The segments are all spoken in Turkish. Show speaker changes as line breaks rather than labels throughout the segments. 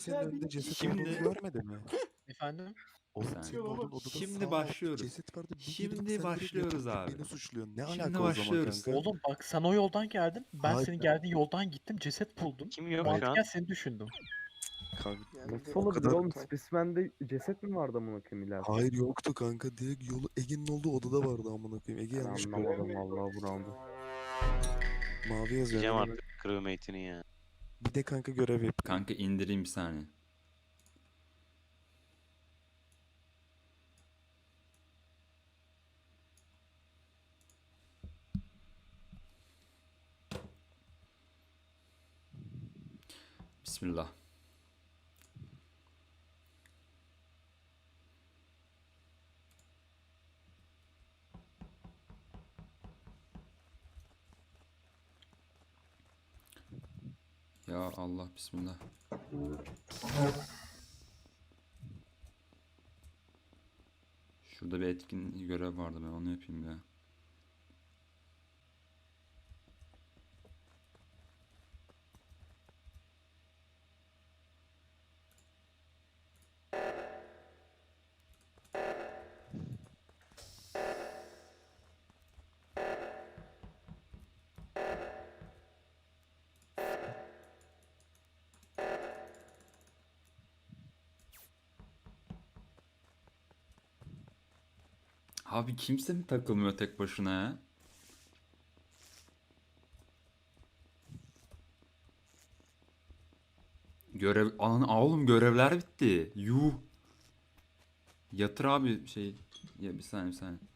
senin önünde ceset
Şimdi-
olduğunu görmedi mi?
Efendim?
Oğlum
Sen-
senin olduğun odada
Şimdi
sağ
başlıyoruz.
ceset vardı. Bir girdim,
Şimdi
sen direkt
başlıyoruz
yatıp
abi.
beni suçluyorsun. Ne
Şimdi
alaka o zaman
başlıyoruz.
kanka?
Oğlum bak sen o yoldan geldin. Ben
Hayır.
senin geldiğin yoldan gittim. Ceset buldum.
Kim yok şu
Mantıken
an?
seni düşündüm.
Kanka,
Nasıl
o
olabilir
kadar-
oğlum? Specimen'de ceset mi vardı amına koyayım ileride?
Hayır yoktu kanka. Direkt yolu Ege'nin olduğu odada vardı amına koyayım. Ege
Ben
yanlış
anlamadım
görüyor.
vallahi bu roundu.
Mavi yazıyor.
Diyeceğim
yani.
artık crewmate'ini ya.
Bir de kanka görev yap.
Kanka indireyim bir saniye. Bismillah. Ya Allah bismillah. Şurada bir etkin görev vardı, ben onu yapayım ya. Abi kimse mi takılmıyor tek başına ya? Oğlum görevler bitti. Yuh. Yatır abi şey. Ya bir saniye bir saniye.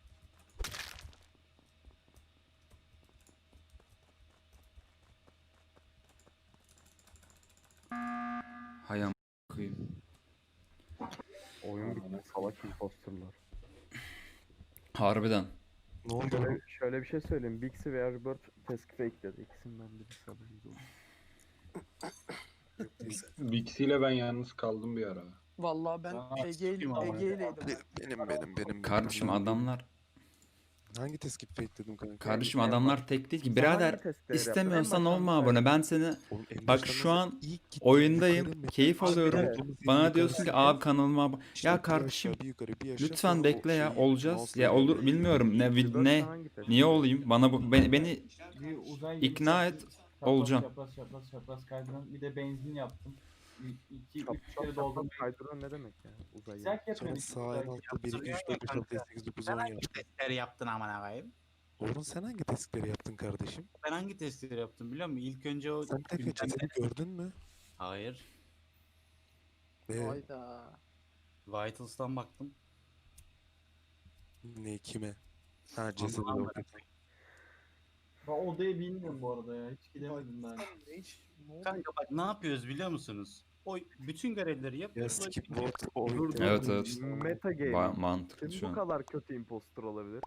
Hay am koyayım.
Oyun bitti salak imposterlar.
Harbiden.
Ne oldu?
Şöyle bir şey söyleyeyim. Bixi ve Erbert task fake dedi. İkisinden birisi haberiniz olsun.
Bixi ile ben yalnız kaldım bir ara.
Vallahi ben
Aa,
Ege'yleydim.
Benim.
Kardeşim adamlar
Hangi teskip fake dedim kanka?
kardeşim adamlar tek değil ki.
Sen
Birader
hangi testleri yaptın?
istemiyorsan
En
olma
baştan
abone.
söyle.
Ben seni
Oğlum en
bak
baştan
şu
nasıl
an
ilk gittim,
oyundayım.
yukarı,
Keyif
mekan
alıyorum.
olduğumuz yerin
Bana
yukarısı
diyorsun ki
ya.
abi kanalıma
İşte
ya
bir
kardeşim
aşağı, bir yukarı, bir aşağı,
lütfen
sonra
bekle
o
ya
şeyi
olacağız.
mouse'la
Ya olur
yürüyorum.
bilmiyorum
Erbert
ne
hangi test
niye
yaptı?
olayım? Beni
Bir uzay gemisi
ikna
yaptım.
et,
Çapraz,
olacağım.
Çapraz kaydıran. Bir de benzin yaptım. 2-3
Çapraz
kere doldum.
kaydıran ne demek ya? Uzay
Sen
gemisi.
Sonra
yapıyorsun.
sağ en altta 1, 2, 3, 4, 5, 6, 7, 8, 9, 10 yaptım.
Testleri yaptın amına koyayım.
Orhun sen hangi teskleri yaptın kardeşim?
Ben hangi testleri yaptım biliyor musun? İlk önce o
Sen tek cesedi gördün mü?
Hayır.
Hayda.
Vitals'tan baktım.
Ne kime? Ha cesedi yok.
Ben odayı bilmiyorum bu arada ya. Hiç gidemedim ben.
Kanka bak ne yapıyoruz biliyor musunuz? O bütün görevleri
Ya
yapıyoruz. o
skip
bütün-
vote o
Dur, dur.
Evet, evet.
Meta game.
Mantıklı
Kim
şu
bu
an.
kadar kötü imposter olabilir?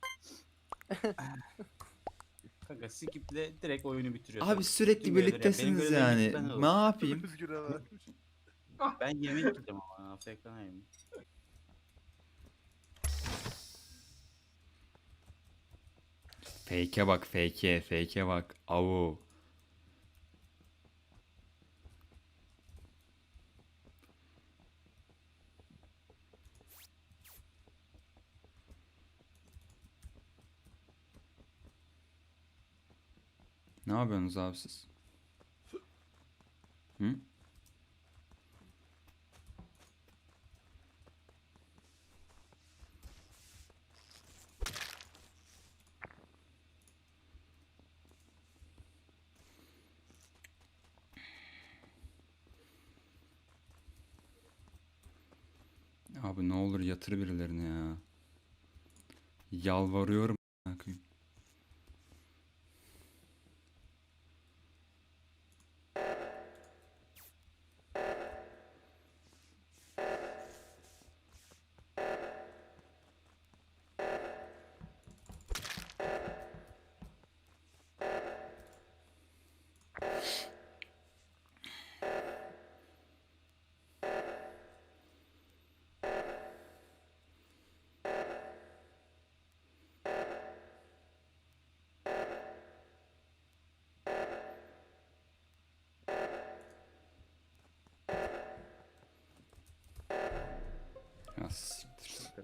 Kanka skiple direkt oyunu bitiriyorsun.
Abi sürekli
Bütün görevleri yap.
birliktesiniz
Benim
yani.
görevlerim ben
Ne yapayım?
Ben yemek yiyeceğim ama AFK'yim.
Fake'e bak fake'e bak. Avu. Ne yapıyorsunuz abi siz? Hı? Abi ne olur yatır birilerini ya. Yalvarıyorum. a**ına koyayım.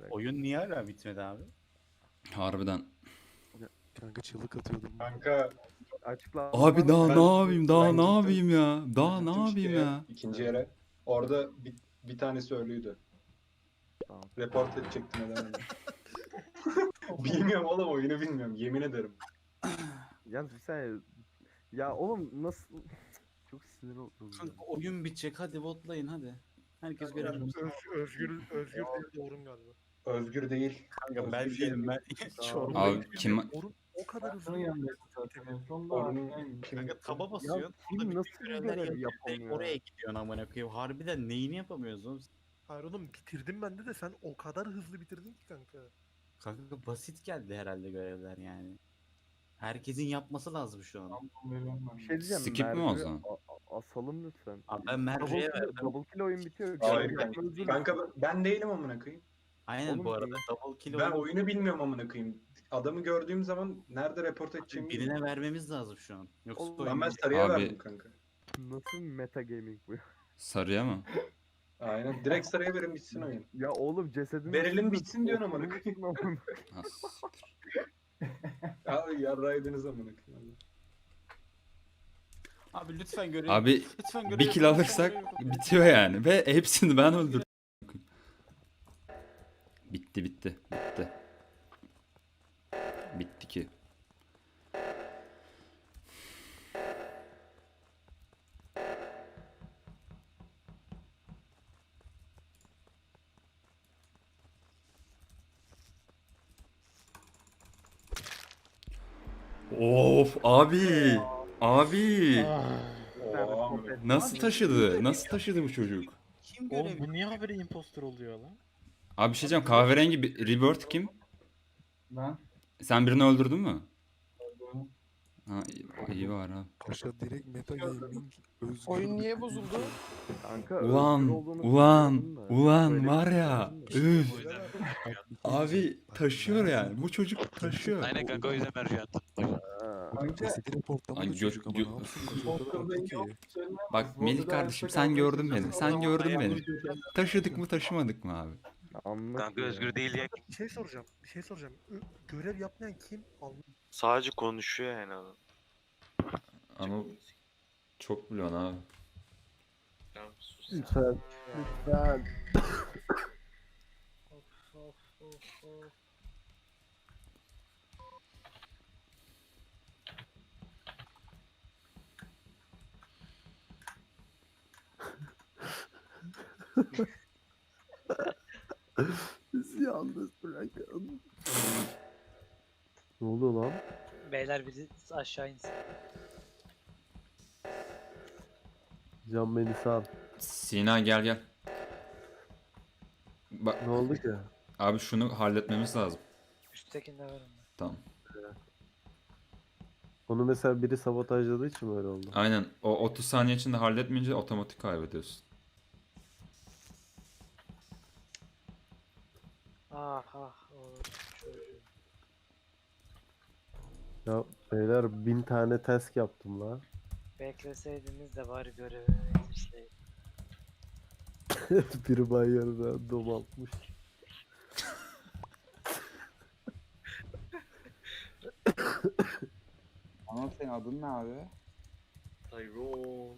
Oyun niye hala bitmedi abi?
Harbiden.
Kanka çığlık atıyordum.
Kanka
Açıkla.
Abi daha
Ben-
ne yapayım? Daha
ben
ne
gittim.
yapayım ya? Daha ne
gittim
yapayım
şeye,
ya?
İkinci yere. Orada bir tanesi ölüydü.
Tamam.
Report edecektim edemedim. Bilmiyorum oğlum, oyunu bilmiyorum. Yemin ederim.
Yalnız bir saniye. Ya oğlum nasıl... Çok sinir oldum ya.
Kanka oyun bitecek, hadi votlayın hadi. Herkes görev.
Özgür değil Orun galiba.
Özgür değil.
Kanka ben
Özgür
değilim ben.
Tamam.
Abi kim?
Orun o kadar hızlı.
Onun yanındaydı zaten. En son da
Onun
arkadayım.
kim?
Kanka taba basıyorsun.
kim
orada
nasıl
bütün
bir
görevler
görev
yapıyor,
yapamıyor
direkt oraya
ya?
gidiyorsun amına koyayım. Harbiden neyini yapamıyoruz oğlum?
Hayır oğlum bitirdim ben de sen o kadar hızlı bitirdin ki kanka.
Kanka basit geldi herhalde görevler yani. Herkesin yapması lazım şu an.
Bir şey diyeceğim.
Skip mi o
Merve'yi
zaman?
Asalım lütfen.
Abi ben Merve'ye verdim.
Double kill oyun bitiyor.
Hayır
Görev
kanka.
yapmanız
Kanka ben değilim amına koyayım.
Aynen
Oğlum
bu arada
değil.
double kill
Ben
oyun-
oyunu bilmiyorum amına koyayım. Adamı gördüğüm zaman nerede report edeceğimi bilmiyorum.
birine vermemiz lazım şu an. Yoksa
Oğlum,
oyun
Lan ben
bitecek.
sarıya
Abi-
verdim kanka.
Nasıl meta gaming bu ya?
Sarıya mı?
Aynen. Direkt sarıya verin bitsin oyun.
Ya oğlum cesedin...
Verelim
üstünde
bitsin diyorsun amına
oturmuşsun
koyayım.
amına.
Ha, siktir.
Abi yarraydınız amına koyayım.
Abi lütfen görev.
Abi
lütfen görev
bir kill
yapın,
alırsak
lütfen görev yapın.
bitiyor yani. Ve hepsini ben öldürdüm. Bitti bitti. Bitti. Bitti ki. Of abi. Abi.
Oo, amına.
Nasıl taşıdı? Nasıl taşıdı bu çocuk?
Kim görev
Oğlum bu niye haberi imposter oluyor lan?
Abi bir şey diyeceğim. Kahverengi bir Rebirth kim?
Ben
Sen birini öldürdün mü? Ha iyi var ha.
Paşa direkt meta gaming özgür.
Oyun niye bozuldu?
Kanka özgür
Ulan,
olduğunu
ulan,
bilmiyordum da.
ulan
Böyle
var
bir şey
ya.
söyledin de.
Üf. Abi taşıyor yani. Bu çocuk taşıyor.
Aynen kanka o yüzden mercan attım.
Ha.
kanka
Cesedi reportlamadı
Ay,
çocuk ama
gö-
ne yapsın? Paşa o kadar
Imposter'da
haklı
yok.
ki.
Söylemez.
Bak
Bu
Melih
odada
kardeşim
hayatta
sen
kalmaya
gördün beni.
çalışan
Sen
adam
gördün
ayağını
beni.
uyduracak.
Taşıdık mı taşımadık mı abi?
Anlat
Kanka
ya.
Özgür değil ya.
Bir şey soracağım. Bir şey soracağım. Görev yapmayan kim?
Sadece konuşuyor yani adam.
Ama çok biliyorsun abi.
Tamam sus.
Lütfen. Lütfen. Bizi yalnız bırakın. Ne oluyor lan?
Beyler biri aşağı insin.
Can beni sal.
Sina gel gel. Bak
Ne oldu ki?
abi şunu halletmemiz lazım.
Üsttekinde var onda.
Tamam.
Onu mesela biri sabotajladığı için mi öyle oldu?
Aynen. O 30 saniye içinde halletmeyince otomatik kaybediyorsun.
Ah ah o çocuğu.
Ya beyler 1000 tane task yaptım la.
Bekleseydiniz de bari görevimi bitirseydim.
Biri banyarına domaltmış.
Ama senin adın ne abi?
Tyrone.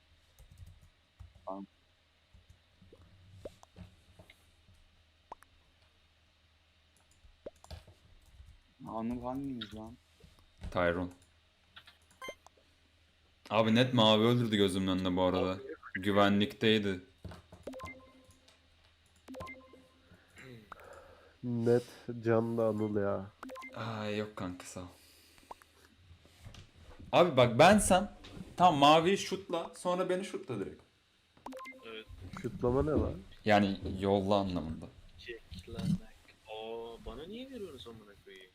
Anıl hanginiz lan?
Tyrone. Abi net mavi öldürdü gözümün önünde bu arada. Güvenlikteydi.
Net can da Anıl ya.
Ay yok kanka sağ ol. Abi bak bensem tam maviyi şutla sonra beni şutla direkt.
Şutlama ne lan?
Yani yolla anlamında.
Çekilenek. Aa bana niye veriyorsunuz amına koyayım?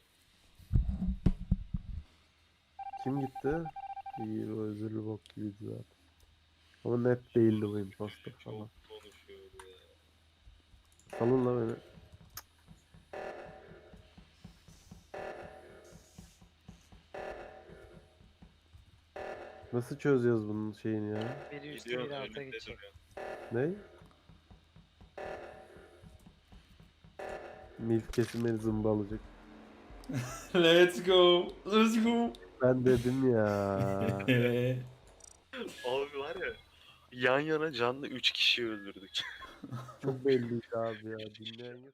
Kim gitti? İyi o özürlü bok gibiydi zaten. Ama net değildi bu imposter falan.
Çok konuşuyor ya.
Salın la beni. Nasıl çözeceğiz bunun şeyini ya?
Biri üstte
Gidiyor
biri alta
önünde
gidecek.
duruyor.
Ne? Milf kesin beni zımbalayacak.
Let's go. Let's go.
Ben dedim ya.
Abi var ya, yan yana canlı 3 kişi öldürdük.
Çok belliydi abi ya. Dinleyen yok.